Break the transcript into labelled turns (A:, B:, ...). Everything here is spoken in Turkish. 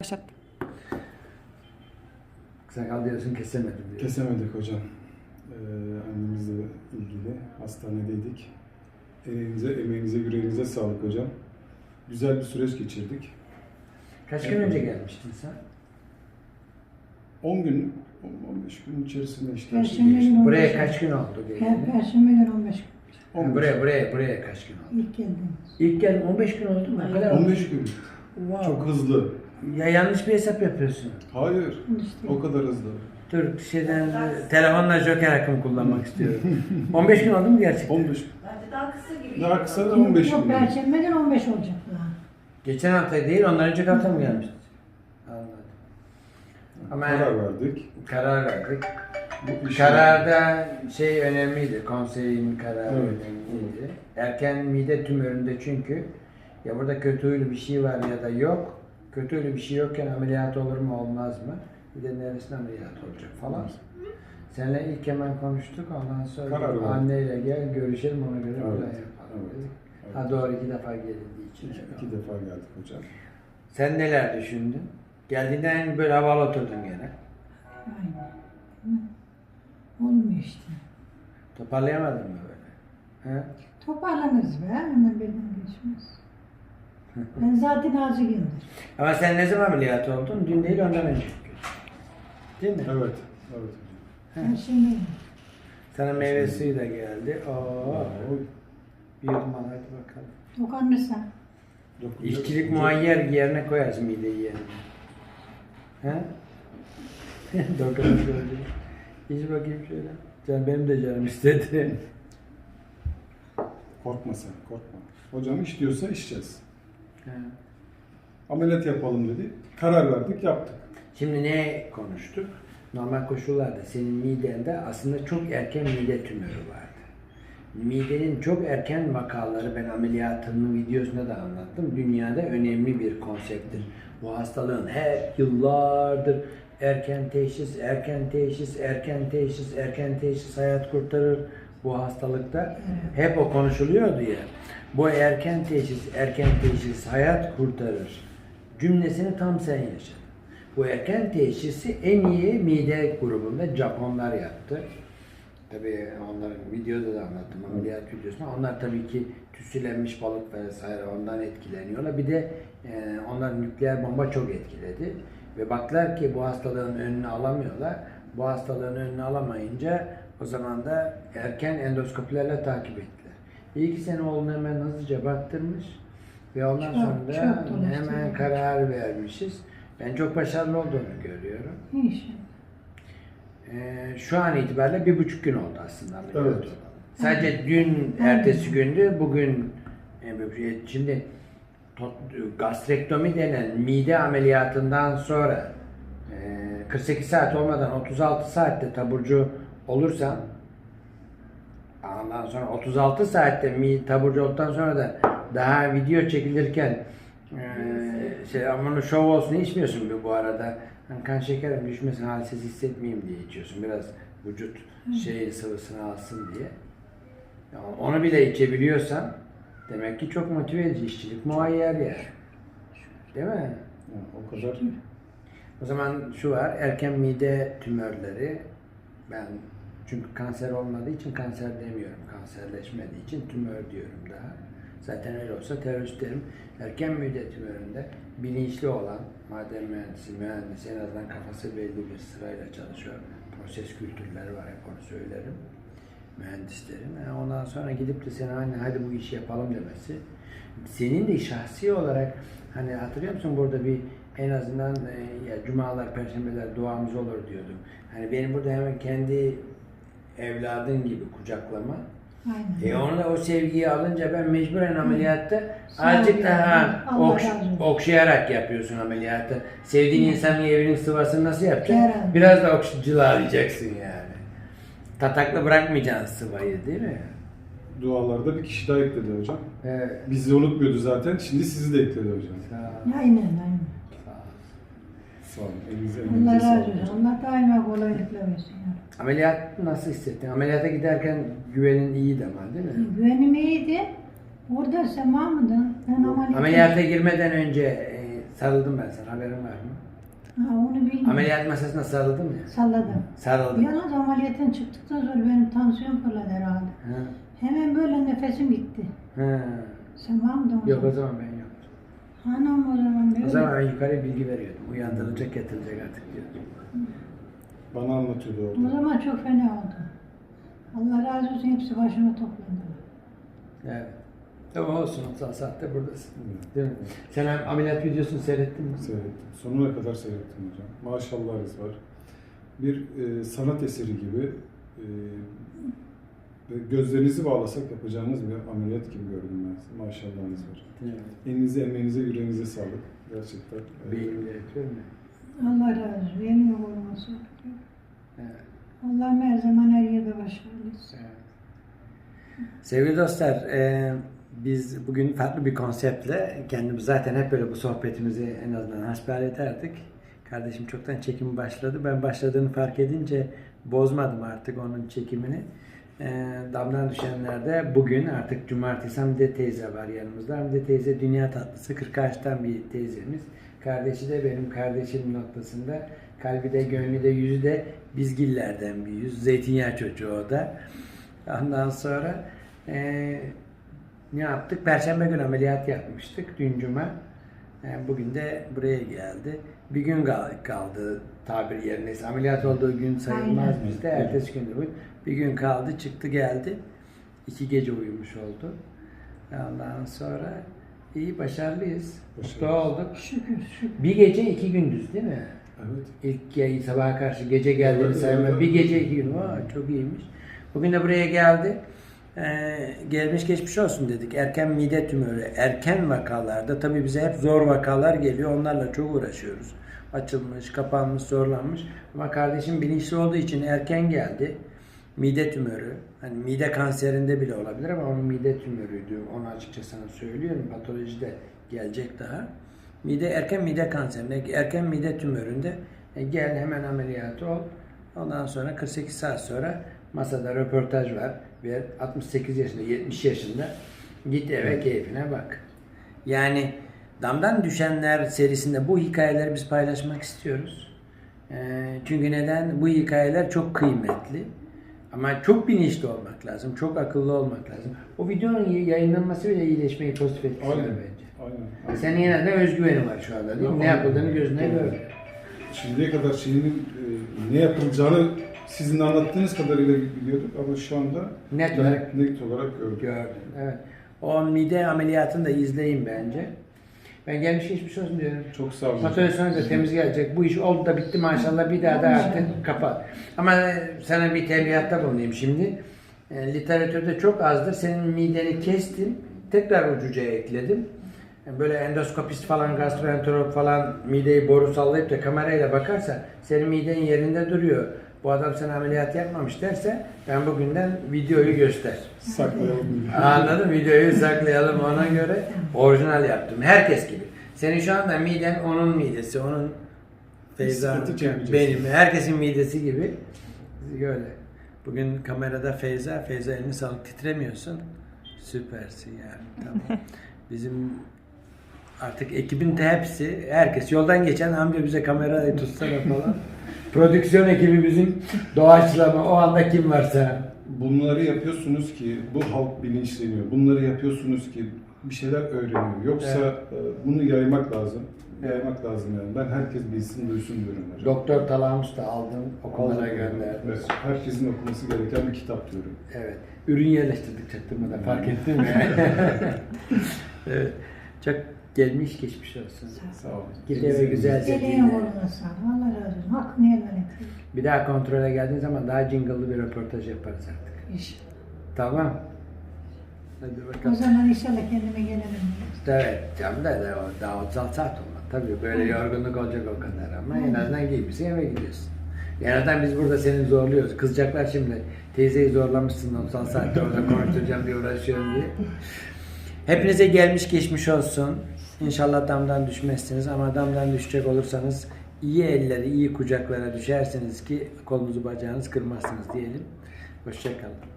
A: Başlat.
B: Sakal diyorsun kesemedim diyor.
C: Kesemedik hocam. Annemizle ilgili hastanedeydik. Elinize, emeğinize, yüreğinize sağlık hocam. Güzel bir süreç geçirdik.
B: Kaç gün önce gelmiştin sen?
C: 10 gün, 15 gün içerisinde işte.
A: Perşembe günü 15
B: Buraya
A: gün.
B: kaç gün oldu geleli?
A: Perşembe günü 15 gün.
C: 15,
B: Buraya kaç gün oldu?
A: İlk geldiğimiz.
B: İlk geldim 15 gün oldu mu? O kadar oldu.
C: 15 gün.
B: Wow.
C: Çok hızlı.
B: Ya yanlış bir hesap yapıyorsun.
C: Hayır,
A: İşte.
C: o kadar hızlı.
B: Dur telefonla joker hakkımı kullanmak istiyorum. 15 gün oldu mu gerçekten?
C: 15 gün.
D: Bence daha kısa gibi.
C: Daha kısa da 15
A: Yok,
C: gün.
A: Perşembe günü 15 olacak daha.
B: Geçen hafta değil, ondan önceki hafta mı gelmiştin? Anladım. Ama
C: Karar verdik.
B: karar verdik.
C: Bu işi-
B: Kararda şey önemliydi, konseyin kararı
C: Evet.
B: önemliydi. Erken mide tümöründe çünkü ya burada kötü huylu bir şey var ya da yok. Kötü huylu bir şey yokken ameliyat olur mu olmaz mı? Bir de neresine ameliyat olacak falan. Seninle ilk hemen konuştuk, ondan sonra
C: Karar verdik.
B: anneyle gel görüşelim, ona göre
C: Evet,
B: plan yapalım
C: evet,
B: dedik.
C: evet.
B: Ha doğru 2 defa gelindi için.
C: İki defa geldik hocam.
B: Sen neler düşündün? Geldiğinden böyle havalı oturdun gene.
A: Aynen. Hı. Olmuyor işte.
B: Toparlayamadın mı böyle? He?
A: Toparlanırız be. Hemen birden geçmez. Ben zaten azıcındır.
B: Ama sen ne zaman ameliyat oldun? Dün değil ondan önce. Değil mi?
C: Evet, evet hocam.
A: Perşembe günü.
B: Sana meyve suyu da geldi. Oo.
C: O
B: Bir yudum al hadi bakalım.
A: Dokanırsan.
C: dokunacak
B: İşçilik
C: hocam.
B: muayyer yerine koyarsın mideyi yerine. He? Dokunur gördüm. İç bakayım şöyle. Can benim de canım istedi.
C: Korkma sen, korkma. Hocam iş diyorsa içeceğiz.
B: He.
C: Ameliyat yapalım dedi. Karar verdik, yaptık.
B: Şimdi ne konuştuk? Normal koşullarda senin midende aslında çok erken mide tümörü vardı. Midenin çok erken vakaları ben ameliyatının videosunda da anlattım. Dünyada önemli bir konsepttir. Bu hastalığın hep yıllardır erken teşhis, erken teşhis, erken teşhis, erken teşhis hayat kurtarır bu hastalıkta. Hep o konuşuluyordu ya. Bu erken teşhis hayat kurtarır cümlesini tam sen yaşadın. Bu erken teşhisi en iyi mide grubunda Japonlar yaptı. Tabii onların videoda da anlattım ameliyat videosunda. Onlar tabii ki tütsülenmiş balık vesaire ondan etkileniyorlar. Bir de onların nükleer bomba çok etkiledi. Ve baktılar ki bu hastalığın önünü alamıyorlar. Bu hastalığın önünü alamayınca o zaman da erken endoskopilerle takip ettiler. İyi ki senin oğlunu hemen hızlıca baktırmış. Ve ondan
A: Çok,
B: sonra
A: çok
B: da
A: dolaştı.
B: hemen karar vermişiz. Ben çok başarılı olduğunu görüyorum.
A: İnşallah.
B: Şu an itibariyle 1,5 gün oldu aslında ameliyat
C: Evet.
B: olalı. Sadece dün, ertesi gündü, bugün şimdi gastrektomi denen mide ameliyatından sonra 48 saat olmadan 36 saatte taburcu olursan ondan sonra 36 saatte taburcu olduktan sonra da daha video çekilirken aman şov olsun içmiyorsun bu arada. Hani kan şekerim düşmesin, halsiz hissetmeyeyim diye içiyorsun. Biraz vücut sıvısını alsın diye. Yani onu bile içebiliyorsan demek ki çok motive edici işçilik muayyer yani. Değil mi?
C: Ya, o kadar.
B: O zaman şu var, erken mide tümörleri, ben çünkü kanser olmadığı için kanser demiyorum, kanserleşmediği için tümör diyorum daha. Zaten öyle olsa terörist derim. Erken mide tümöründe bilinçli olan maden mühendisi en azından kafası belli bir sırayla çalışıyor. Proses kültürleri var, hep onu söylerim mühendislerin. Yani ondan sonra gidip de sana anne hadi bu işi yapalım demesi. Senin de şahsi olarak hani hatırlıyor musun burada bir en azından ya cumalar, perşembeler duamız olur diyordum. Hani benim burada hemen kendi evladın gibi kucaklama.
A: Aynen.
B: Onu da o sevgiyi alınca ben mecburen ameliyatta
A: Sağ ol
B: azıcık
A: ya.
B: daha
A: Allah razı olsun.
B: okşayarak yapıyorsun ameliyatı. Sevdiğin insanın evinin sıvasını nasıl yapacaksın?
A: Herhalde.
B: Biraz da cılalayacaksın yani. Tatakla bırakmayacaksın sıvayı değil mi?
C: Dualarda bir kişi daha ekledi hocam.
B: Evet.
C: Bizi unutmuyordu zaten. Şimdi sizi de ekledi hocam.
B: Sağ ol.
A: Aynen, aynen.
B: Sağ ol.
C: Sağ olun. Elinize
A: Allah
C: emeğinize
A: razı
C: sağlık
A: olsun.
C: hocam.
A: Allah daima kolaylıkla versin. Ya.
B: Ameliyat nasıl hissettin? Ameliyata giderken güvenin iyiydi ama değil mi?
A: Güvenim iyiydi. Orada Sema mıydın? Ben
B: Ameliyata girmeden önce Sarıldım ben sana, haberin var mı?
A: Ha, onu bilmiyorum.
B: Ameliyat masasına sarıldım ya.
A: Salladım.
B: Sarıldım.
A: Yalnız ameliyattan çıktıktan sonra benim tansiyon fırladı herhalde.
B: Ha.
A: Hemen böyle nefesim gitti.
B: Ha.
A: Sen var mıydın o
B: Yok o
A: zaman?
B: zaman ben yoktum.
A: Anam o zaman böyle.
B: O zaman ben yukarı bilgi veriyordum. Uyandırılacak, yatılacak artık diyordum.
C: Bana anlatıyordu
A: O
C: orada.
A: zaman çok fena oldu. Allah razı olsun hepsi başıma toplandı.
B: Evet. Ama olsun, 30 saatte buradasın.
C: Evet.
B: Değil mi? Sen ameliyat videosunu seyrettin mi?
C: Seyrettim. Sonuna kadar seyrettim hocam. Maşallahınız var. Bir sanat eseri gibi ve gözlerinizi bağlasak yapacağınız bir ameliyat gibi gördüm ben sizi. Maşallahınız var.
B: Evet.
C: Elinize, emeğinize, yüreğinize sağlık. Gerçekten.
B: Beynimde yapıyor mu?
A: Allah razı olsun. Yemin olması.
B: Evet.
A: Allah'ım her zaman her yerde başarılıyız.
B: Evet. Sevgili dostlar, biz bugün farklı bir konseptle kendimiz zaten hep böyle bu sohbetimizi en azından hasbihal ederdik. Kardeşim çoktan çekimi başladı. Ben başladığını fark edince bozmadım artık onun çekimini. Damdan düşenlerde bugün artık cumartesi Hamide teyze var yanımızda. Hamide teyze dünya tatlısı 40 yaştan bir teyzemiz. Kardeşi de benim kardeşim noktasında. Kalbi de, gönlü de, yüzü de bizgillerden bir yüz. Zeytinyağı çocuğu o da. Ondan sonra ne yaptık? Perşembe günü ameliyat yapmıştık. Dün cuma. Bugün de buraya geldi. Bir gün kaldı tabir yerine. Ameliyat olduğu gün sayılmaz
A: Aynen.
B: bizde. Ertesi gün de bu. Bir gün kaldı, çıktı geldi. 2 gece uyumuş oldu. Ondan sonra iyi, başarılıyız. Mutlu olduk.
A: Şükür şükür.
B: Bir gece 2 gündüz değil mi?
C: Evet.
B: İlk sabaha karşı gece geldiğini
C: Evet,
B: sayma.
C: evet.
B: Bir gece 2 gün. Çok iyiymiş. Bugün de buraya geldi. Gelmiş geçmiş olsun dedik. Erken mide tümörü, erken vakalarda tabii bize hep zor vakalar geliyor. Onlarla çok uğraşıyoruz. Açılmış, kapanmış, zorlanmış. Ama kardeşim bilinçli olduğu için erken geldi. Mide tümörü. Hani mide kanserinde bile olabilir ama onun mide tümörüydü. Onu açıkça sana söylüyorum. Patolojide gelecek daha. Erken mide kanserinde, erken mide tümöründe gel hemen ameliyatı ol. Ondan sonra 48 saat sonra masada röportaj var ve 68 yaşında, 70 yaşında git eve keyfine bak. Yani Damdan Düşenler serisinde bu hikayeleri biz paylaşmak istiyoruz. Çünkü neden? Bu hikayeler çok kıymetli. Ama çok bilinçli olmak lazım, çok akıllı olmak lazım. O videonun yayınlanması bile iyileşmeyi pozitif etkisi var
C: Aynen.
B: bence.
C: Aynen.
B: Senin yine de özgüveni var şu anda değil mi? Ne yapıldığını gözüne gördü.
C: Şimdiye kadar şeyinin ne yapılacağını sizin anlattığınız kadarıyla biliyorduk ama şu anda
B: Net olarak
C: gördük.
B: gördüm. Evet. O mide ameliyatını da izleyin bence. Ben gelmiş geçmiş olsun diyorum.
C: Çok sağ olun.
B: Motivasyonu da temiz gelecek. Bu iş oldu da bitti maşallah. Bir daha da artık kapat. Ama sana bir tembihatta bulunayım şimdi. Literatürde çok azdır. Senin mideni kestim. Tekrar ucucaya ekledim. Böyle endoskopist falan, gastroenterolog falan mideyi boru sallayıp da kamerayla bakarsa senin miden yerinde duruyor. Bu adam sana ameliyat yapmamış derse ben bugünden videoyu göster.
C: Saklayalım.
B: Anladın? Videoyu saklayalım ona göre. Orijinal yaptım. Herkes gibi. Senin şu anda miden onun midesi, onun Feyza
C: Sıkıntı çekmeyeceksin.
B: benim. Herkesin midesi gibi. Böyle. Bugün kamerada Feyza elini sağlık, titremiyorsun. Süpersin yani. Tamam. Bizim artık ekibin de hepsi, herkes yoldan geçen amca bize kamerayı tutsana falan. Prodüksiyon ekibi bizim doğaçlama, o anda kim varsa.
C: Bunları yapıyorsunuz ki bu halk bilinçleniyor. Bunları yapıyorsunuz ki bir şeyler öğreniyor. Yoksa bunu yaymak lazım. Yaymak lazım yani. Ben herkes bilsin, duysun diyorum hocam.
B: Doktor Talamus da aldım, okullara gönderdim.
C: Evet, herkesin okuması gereken bir kitap diyorum.
B: Evet. Ürün yerleştirdik çaktırmadan, fark ettin mi? Evet. Çok gelmiş geçmiş olsun.
C: Sağ olun.
B: Git eve güzelce
A: Eleğin
B: dinle.
A: oğluna sağ ol. Allah razı olsun. Hakkını helal et.
B: Bir daha kontrole geldiğin zaman daha jingle'lı bir röportaj yaparız artık.
A: İnşallah.
B: Tamam. Hadi
A: O
B: bakalım.
A: zaman inşallah kendime gelelim.
B: Evet, canım da daha 36 saat olmaz. Tabii böyle yorgunluk olacak o kadar ama en azından giymişsin eve gidiyorsun. En azından biz burada seni zorluyoruz. Kızacaklar şimdi. Teyzeyi zorlamışsın 36 saatte orada konuşturacağım diye uğraşıyorum diye. Hepinize gelmiş geçmiş olsun. İnşallah damdan düşmezsiniz ama damdan düşecek olursanız iyi elleri, iyi kucaklara düşersiniz ki kolunuzu bacağınızı kırmazsınız diyelim. Hoşça kalın.